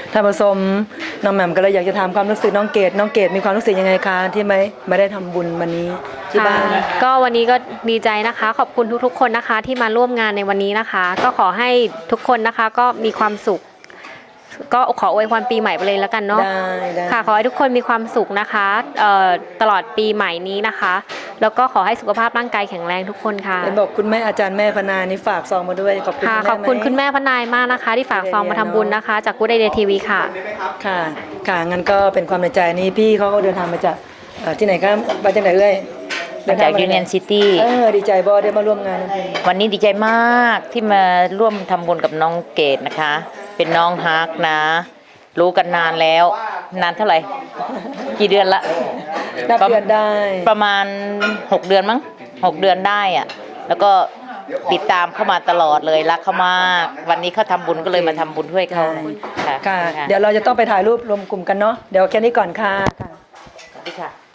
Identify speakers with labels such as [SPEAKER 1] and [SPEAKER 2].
[SPEAKER 1] ท่านผู้ชมน้องแหม่มก็เลยอยากจะถามความรู้สึกน้องเกดมีความรู้สึกยังไงคะที่ไม่ได้ทำบุญวันนี้ที่บ้าน
[SPEAKER 2] ก็วันนี้ก็ดีใจนะคะขอบคุณทุกๆคนนะคะที่มาร่วมงานในวันนี้นะคะ ก็ขอให้ทุกคนนะคะก็มีความสุข ก็ขออวยพรปีใหม่ไปเลยแล้วกันเนาะ
[SPEAKER 1] ได้
[SPEAKER 2] ค่ะขอให้ทุกคนมีความสุขนะคะตลอดปีใหม่นี้นะคะ แล้วก็ขอให้สุขภาพร่างกายแข็งแรงทุกคนค่ะ
[SPEAKER 1] เห็นบอกคุณแม่อาจารย์แม่พนานี่ฝากซองมาด้วยขอบคุณ
[SPEAKER 2] ค่ะ
[SPEAKER 1] ณแม่
[SPEAKER 2] ขอบคุณ
[SPEAKER 1] ไหม
[SPEAKER 2] คุณแม่พนายมากนะคะ ที่ฝากซองมาทำบุญนะคะ จากกู๊ดไอเดียทีวีค่ะ
[SPEAKER 1] ค่ะค่ะงั้นก็เป็นความในใจนี้พี่เขาก็เดินทางมาจากที่ไหนครับมาจากไหนเอ่ย
[SPEAKER 3] มาจาก Union City
[SPEAKER 1] ดีใจบอได้มาร่วมงานนะพี่
[SPEAKER 3] วันนี้ดีใจมากที่มาร่วมทำบุญกับน้องเกดนะคะ เป็นน้องฮักนะ รู้กันนานแล้ว นานเท่าไหร่ กี่เดือนละ
[SPEAKER 1] นับเดือนได้
[SPEAKER 3] ประมาณ 6 เดือนมั้ง6 เดือนได้อะแล้วก็ติดตามเข้ามาตลอดเลยรักเขามาก วันนี้เขาทำบุญก็เลยมาทำบุญด้วยเขาค่ะ
[SPEAKER 1] ค่ะ เดี๋ยวเราจะต้องไปถ่ายรูปรวมกลุ่มกันเนาะเดี๋ยวแค่นี้ก่อนค่ะ
[SPEAKER 3] สวัสดีค่ะ